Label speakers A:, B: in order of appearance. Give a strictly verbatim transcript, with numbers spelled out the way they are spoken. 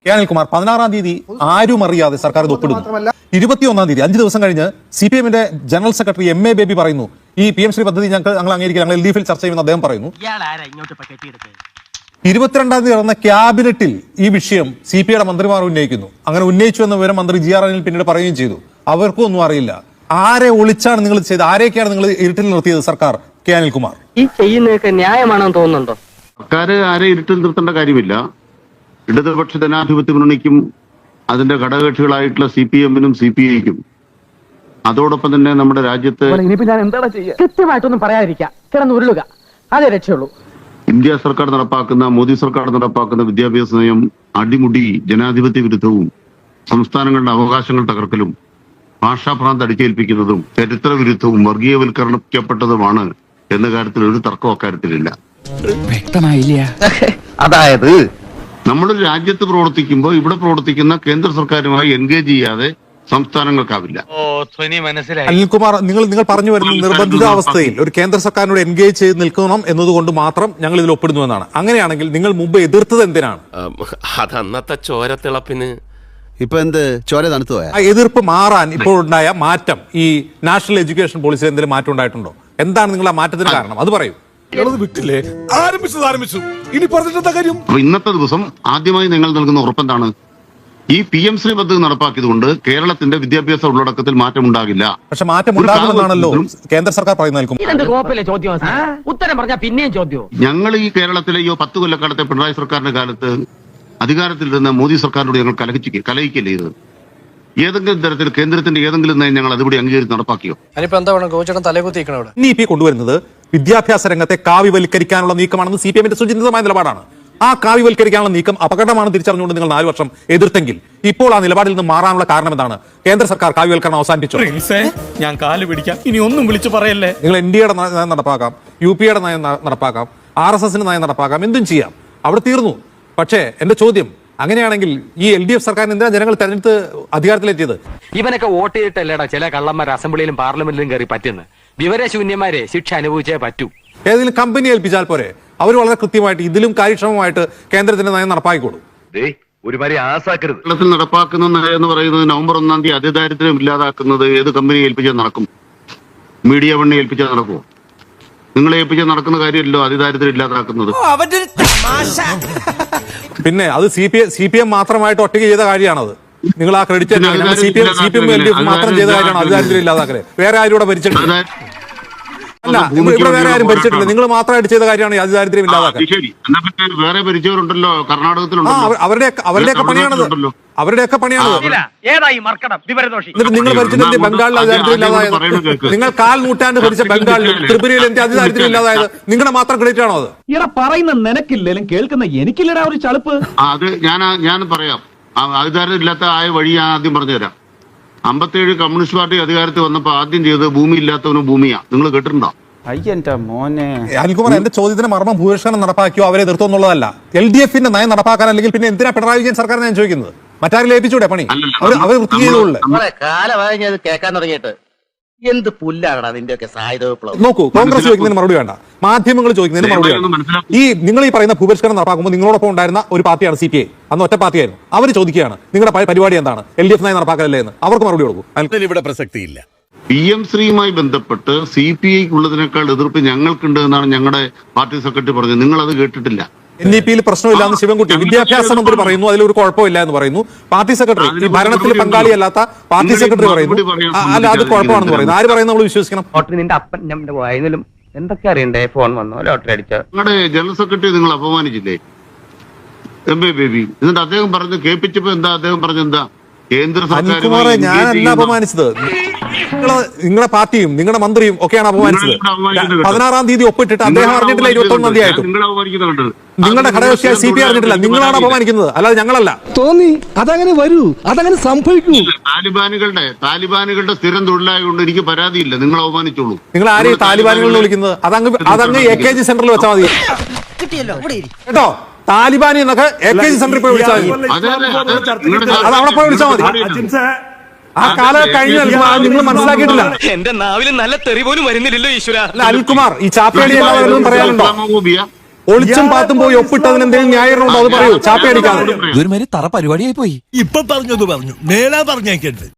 A: K Anilkumar പതിനാറാം തീയതി ആരും അറിയാതെ സർക്കാർ ഇത് ഒപ്പിടുന്നു. ഇരുപത്തിയൊന്നാം തീയതി അഞ്ച് ദിവസം കഴിഞ്ഞ് സി പി എമ്മിന്റെ general secretary M A Baby പറയുന്നു ഈ പി എം ശ്രീ പദ്ധതി ഞങ്ങൾ ഞങ്ങൾ അംഗീകരിക്കുക, ഞങ്ങൾ എൽ ഡി എഫിൽ ചർച്ച ചെയ്യുമെന്ന് അദ്ദേഹം പറയുന്നു. ഇരുപത്തിരണ്ടാം തീയതി നടന്ന ക്യാബിനറ്റിൽ ഈ വിഷയം സി പി ഐയുടെ മന്ത്രിമാർ ഉന്നയിക്കുന്നു. അങ്ങനെ ഉന്നയിച്ചു എന്ന വിവരം മന്ത്രി ജി ആർ അനിൽ പിന്നീട് പറയുകയും ചെയ്തു. അവർക്കും ഒന്നും അറിയില്ല. ആരെ ഒളിച്ചാണ് നിങ്ങൾ ചെയ്തത്? ആരെയൊക്കെയാണ് നിങ്ങൾ ഇരുട്ടിൽ നിർത്തിയത് സർക്കാർ? കെ അനിൽകുമാർ,
B: ഈ ചെയ്യുന്നതൊക്കെ ന്യായമാണെന്ന് തോന്നുന്നുണ്ടോ?
C: സർക്കാർ ആരെ ഇരുട്ടിൽ നിർത്തേണ്ട കാര്യമില്ല. ഇടതുപക്ഷ ജനാധിപത്യ മുന്നണിക്കും അതിന്റെ ഘടകകക്ഷികളായിട്ടുള്ള സി പി എമ്മിനും സി പി ഐക്കും അതോടൊപ്പം തന്നെ നമ്മുടെ രാജ്യത്ത്
B: കൃത്യമായിട്ടൊന്നും പറയാതിരിക്കാം, കിടന്ന് ഉരുളുക, അതേ രക്ഷയുള്ളൂ.
C: ഇന്ത്യ സർക്കാർ നടപ്പാക്കുന്ന മോദി സർക്കാർ നടപ്പാക്കുന്ന വിദ്യാഭ്യാസ നയം അടിമുടി ജനാധിപത്യ വിരുദ്ധവും സംസ്ഥാനങ്ങളുടെ അവകാശങ്ങൾ തകർക്കലും ഭാഷാഭ്രാന്ത് അടിച്ചേൽപ്പിക്കുന്നതും ചരിത്ര വിരുദ്ധവും വർഗീയവൽക്കരണപ്പെട്ടതുമാണ് എന്ന കാര്യത്തിൽ ഒരു തർക്കം അക്കാര്യത്തിലില്ല.
D: വ്യക്തമായില്ല.
B: അതായത്
C: നമ്മളൊരു രാജ്യത്ത് പ്രവർത്തിക്കുമ്പോൾ ഇവിടെ പ്രവർത്തിക്കുന്ന കേന്ദ്ര സർക്കാരുമായി എൻഗേജ് ചെയ്യാതെ സംസ്ഥാനങ്ങൾക്കാവില്ല.
A: അനിൽകുമാർ, നിങ്ങൾ നിങ്ങൾ പറഞ്ഞു വരുന്ന നിർബന്ധിതാവസ്ഥയിൽ ഒരു കേന്ദ്ര സർക്കാരിനോട് എൻഗേജ് ചെയ്ത് നിൽക്കണം എന്നതുകൊണ്ട് മാത്രം ഞങ്ങൾ ഇതിൽ ഒപ്പിടുന്നു എന്നാണ്. അങ്ങനെയാണെങ്കിൽ നിങ്ങൾ മുമ്പ് എതിർത്തത് എന്തിനാണ്?
E: അതന്നത്തെ ചോരത്തിളപ്പിന്
D: ഇപ്പൊ എന്ത് ചോര തണുത്തു പോയാ?
A: ആ എതിർപ്പ് മാറാൻ ഇപ്പോൾ ഉണ്ടായ മാറ്റം, ഈ നാഷണൽ എഡ്യൂക്കേഷൻ പോളിസിയിൽ എന്തെങ്കിലും മാറ്റം ഉണ്ടായിട്ടുണ്ടോ? എന്താണ് നിങ്ങൾ ആ മാറ്റത്തിന് കാരണം? അത് പറയൂ.
F: വിട്ടില്ലേ? ആരംഭിച്ചത് ആരംഭിച്ചു, ഇനി പറഞ്ഞിട്ടെന്താ കാര്യം?
C: അപ്പൊ ഇന്നത്തെ ദിവസം ആദ്യമായി നിങ്ങൾ നൽകുന്ന ഉറപ്പെന്താണ്? ഈ പി എം ശ്രീ പദ്ധതി നടപ്പാക്കിയതുകൊണ്ട് കേരളത്തിന്റെ വിദ്യാഭ്യാസ ഉള്ളടക്കത്തിൽ മാറ്റം ഉണ്ടാകില്ല.
A: പക്ഷെ മാറ്റം ഉണ്ടാകുമെന്നാണല്ലോ കേന്ദ്ര സർക്കാർ പറയുന്നത്.
B: ഉത്തരം പറഞ്ഞാൽ പിന്നെയും ചോദ്യം.
C: ഞങ്ങൾ ഈ കേരളത്തിലെ ഈ പത്ത് കൊല്ലക്കാലത്തെ പിണറായി സർക്കാരിന്റെ കാലത്ത് അധികാരത്തിലിരുന്ന മോദി സർക്കാരിനോട് ഞങ്ങൾ കലഹിച്ച് കലഹിക്കല്ലേ ചെയ്തത്? ഏതെങ്കിലും തരത്തിൽ കേന്ദ്രത്തിന്റെ ഏതെങ്കിലും നയം ഞങ്ങൾ അതുകൂടി അംഗീകരിച്ച് നടപ്പാക്കിയോ?
A: ഇനി ഇ പി കൊണ്ടുവരുന്നത് വിദ്യാഭ്യാസ രംഗത്തെ കാവ്യവൽക്കരിക്കാനുള്ള നീക്കമാണെന്ന് സി പി എമ്മിന്റെ സുചിന്തിതമായ നിലപാടാണ്. ആ കാവ്യവൽക്കരിക്കാനുള്ള നീക്കം അപകടമാണ് തിരിച്ചറിഞ്ഞുകൊണ്ട് നിങ്ങൾ നാല് വർഷം എതിർത്തെങ്കിൽ ഇപ്പോൾ ആ നിലപാടിൽ നിന്ന് മാറാനുള്ള കാരണം എന്താണ്? കേന്ദ്ര സർക്കാർ കാവ്യവൽക്കരണം അവസാനിപ്പിച്ചു.
F: ഞാൻ കാല് പിടിക്കാം, ഇനി ഒന്നും വിളിച്ചു പറയല്ലേ.
A: നിങ്ങൾ എൻ ഡി എയുടെ നയം നടപ്പാക്കാം, യു പി യുടെ നയം നടപ്പാക്കാം, ആർ എസ് എസിന്റെ നയം നടപ്പാക്കാം, എന്തും ചെയ്യാം. അവിടെ തീർന്നു. പക്ഷേ എന്റെ ചോദ്യം, അങ്ങനെയാണെങ്കിൽ ഈ എൽ ഡി എഫ് സർക്കാരിന് എന്തിനാ ജനങ്ങൾ തെരഞ്ഞെടുത്ത് അധികാരത്തിലെത്തിയത്?
G: ഇവനൊക്കെ വോട്ട് ചെയ്തിട്ടല്ലേടാ ചില കള്ളന്മാർ അസംബ്ലിയിലും പാർലമെന്റിലും കയറി പറ്റുന്നത്. വിവരശൂന്യന്മാരെ ശിക്ഷ അനുഭവിച്ചേ പറ്റൂ.
A: ഏതെങ്കിലും കമ്പനി ഏൽപ്പിച്ചാൽ പോരെ? അവർ വളരെ കൃത്യമായിട്ട് ഇതിലും കാര്യക്ഷമമായിട്ട് കേന്ദ്രത്തിന്റെ നയം നടപ്പാക്കിക്കോളൂ.
C: കേരളത്തിൽ നടപ്പാക്കുന്ന നയം എന്ന് പറയുന്നത് നവംബർ ഒന്നാം തീയതി അതിദാരിദ്ര്യം ഇല്ലാതാക്കുന്നത് ഏത് കമ്പനി ഏൽപ്പിച്ചാൽ നടക്കും? മീഡിയ വണ്ണി ഏൽപ്പിച്ചാൽ നടക്കുമോ? നിങ്ങളെ ഏൽപ്പിച്ചാൽ നടക്കുന്ന കാര്യമല്ലോ അതിദാരിദ്ര്യം ഇല്ലാതാക്കുന്നത്.
A: പിന്നെ അത് C P C P M മാത്രമായിട്ട് ഒറ്റയ്ക്ക് ചെയ്ത കാര്യമാണത്. നിങ്ങൾ ആ credit C P M C P M L D F മാത്രം ചെയ്ത കാര്യമാണ് അതിദാരിദ്ര്യം ഇല്ലാതാക്കല്. വേറെ ആരും ഇവിടെ ഭരിച്ചിട്ടില്ല. അല്ല, ഇവിടെ വേറെ ആരും ഭരിച്ചിട്ടില്ല. നിങ്ങൾ മാത്രമായിട്ട് ചെയ്ത കാര്യമാണ് അതിദാരിദ്ര്യം ഇല്ലാതാക്കാൻ.
C: വേറെ ഭരിച്ചവരുണ്ടല്ലോ, കർണാടകത്തിലുണ്ടോ?
A: അവരുടെ അവരുടെയൊക്കെ പണിയാണത്. അവരുടെയൊക്കെ പണിയാണത്. എന്നിട്ട് നിങ്ങൾ ഭരിച്ചിട്ട് ബംഗാളിൽ അതിദാരിദ്ര്യം ഇല്ലാതായത്? നിങ്ങൾ കാൽ നൂറ്റാണ്ട് ഭരിച്ച ബംഗാളിലും ത്രിപുരയിൽ എന്ത് അതിദാരിദ്ര്യം ഇല്ലാതായത്? നിങ്ങളുടെ മാത്രം ക്രെഡിറ്റ് ആണോ അത്?
H: ഇവിടെ പറയുന്ന നിനക്കില്ലേലും കേൾക്കുന്ന എനിക്കില്ലടാ ഒരു ചളുപ്പ്.
C: അത് ഞാൻ ഞാൻ പറയാം. അതിദാരിദ്ര്യം ഇല്ലാത്ത ആയ വഴി ഞാൻ ആദ്യം പറഞ്ഞുതരാം. അമ്പത്തേഴ് കമ്മ്യൂണിസ്റ്റ് പാർട്ടി അധികാരത്തിൽ വന്നപ്പോ ആദ്യം ചെയ്തത് ഭൂമി ഇല്ലാത്തവന് ഭൂമിയാ. നിങ്ങൾ കേട്ടിട്ടുണ്ടോ?
D: അയ്യന്റെ മോനെ.
A: അനിൽകുമാർ, എന്റെ ചോദ്യത്തിന് മർമ്മം ഭൂരിഷ്കരണം നടപ്പാക്കിയോ അവരെ എതിർത്തോ എന്നുള്ളതല്ല. എൽ ഡി എഫിന്റെ നയം നടപ്പാക്കാൻ അല്ലെങ്കിൽ പിന്നെ എന്തിനാ പിണറായി വിജയൻ സർക്കാർ ഞാൻ ചോദിക്കുന്നത്? മറ്റാരും ഏൽപ്പിച്ചൂടെ പണി? അവർ അവർ വൃത്തി ചെയ്തോളൂ.
B: കാലമായി കേൾക്കാൻ തുടങ്ങിയിട്ട് എന്ത് പുല്ലാകണം അതിന്റെയൊക്കെ സായുധ വിപ്ലവം.
A: നോക്കൂ, കോൺഗ്രസ് ചോദിക്കുന്നതിന് മറുപടി വേണ്ട, മാധ്യമങ്ങൾ ചോദിക്കുന്നതിന് മറുപടി വേണ്ട. ഈ നിങ്ങൾ ഈ പറയുന്ന ഭൂപരിഷ്കരണം നടപ്പാക്കുമ്പോൾ നിങ്ങളോടൊപ്പം ഉണ്ടായിരുന്ന ഒരു പാർട്ടിയാണ് സി പി ഐ. അന്ന് ഒറ്റ പാർട്ടിയായിരുന്നു. അവർ ചോദിക്കുകയാണ് നിങ്ങളുടെ പരിപാടി എന്താണ്, എൽ ഡി എഫ് നയം നടപ്പാക്കലല്ലേ എന്ന്. അവർക്ക് മറുപടി കൊടുക്കും.
F: ഇവിടെ പ്രസക്തിയില്ല.
C: പി എം ശ്രീയുമായി ബന്ധപ്പെട്ട് സി പി ഐക്കുള്ളതിനേക്കാൾ എതിർപ്പ് ഞങ്ങൾക്കുണ്ട് എന്നാണ് ഞങ്ങളുടെ പാർട്ടി സെക്രട്ടറി പറഞ്ഞത്. നിങ്ങൾ അത് കേട്ടിട്ടില്ല.
A: എൻ ഇ പിയിൽ പ്രശ്നമില്ല എന്ന് ശിവൻകുട്ടി വിദ്യാഭ്യാസ മന്ത്രി പറയുന്നു, അതിലൊരു കുഴപ്പമില്ല എന്ന് പറയുന്നു. പാർട്ടി സെക്രട്ടറി, ഈ ഭരണത്തിൽ പങ്കാളിയല്ലാത്ത പാർട്ടി സെക്രട്ടറി പറയുന്നു അല്ല അത് കുഴപ്പമാണെന്ന് പറയുന്നു. ആര് പറയുന്നത് നമ്മൾ വിശ്വസിക്കണം?
B: നിന്റെ അപ്പൻ നമ്മുടെ വായനലും എന്തൊക്കെ അറിയണ്ടേ? ഫോൺ വന്നോ, ലോട്ടറി അടിച്ചോ?
C: ഞങ്ങളുടെ ജനറൽ സെക്രട്ടറി നിങ്ങൾ അപമാനിച്ചില്ലേ, എം എ ബേബി? എന്നിട്ട് അദ്ദേഹം പറഞ്ഞു കേൾപ്പിച്ചപ്പോ എന്താ അദ്ദേഹം പറഞ്ഞെന്താ? കേന്ദ്ര സർക്കാർ.
A: ഞാനല്ല അപമാനിച്ചത്, നിങ്ങളുടെ പാർട്ടിയും നിങ്ങളുടെ മന്ത്രിയും ഒക്കെയാണ് അപമാനിച്ചത്. പതിനാറാം തീയതി ഒപ്പിട്ടിട്ട് അദ്ദേഹം അറിഞ്ഞിട്ടില്ല. ഇരുപത്തി ഒന്നാം തീയതി ആയിട്ടും നിങ്ങളുടെ ഘടകകക്ഷിയായ സി പി അറിഞ്ഞിട്ടില്ല. നിങ്ങളാണ് അപമാനിക്കുന്നത്, അല്ലാതെ ഞങ്ങളല്ല.
H: തോന്നി അതങ്ങനെ വരൂ, അതങ്ങനെ സംഭവിക്കൂ.
C: താലിബാനുകളുടെ താലിബാനുകളുടെ സ്ഥിരം തൊഴിലായതുകൊണ്ട് എനിക്ക് പരാതിയില്ല. നിങ്ങൾ അവമാനിച്ചോളൂ.
A: നിങ്ങൾ ആരെയും താലിബാനുകളിൽ വിളിക്കുന്നത്? അതങ്ങ് അതങ്ങ് എ കെ ജി സെന്ററിൽ വെച്ചാൽ മതി കേട്ടോ. താലിബാനി എന്നൊക്കെ എ കെ ജി സെന്ററിൽ പോയി വിളിച്ചാൽ മതി. അത് അവിടെ പോയി വിളിച്ചാൽ മതി. ആ കാലം കഴിഞ്ഞാൽ നിങ്ങൾ മനസ്സിലാക്കിയിട്ടില്ല.
G: എന്റെ നാവിലും നല്ല തെറി പോലും വരുന്നില്ലല്ലോ ഈശ്വര.
A: അനിൽകുമാർ, ഈ ചാപ്പേടി എല്ലാവരും പറയാനുണ്ടോ? ഒളിച്ചും പാത്തും പോയി ഒപ്പിട്ടതിന് എന്തെങ്കിലും ന്യായീകരണം ഉണ്ടോ അത് പറയൂ, ചാപ്പയടിക്കാതെ.
I: ഇതൊരുമാതിരി തറ പരിപാടിയായി പോയി.
F: ഇപ്പൊ പറഞ്ഞത് പറഞ്ഞു, മേലാ പറഞ്ഞേക്കരുത്.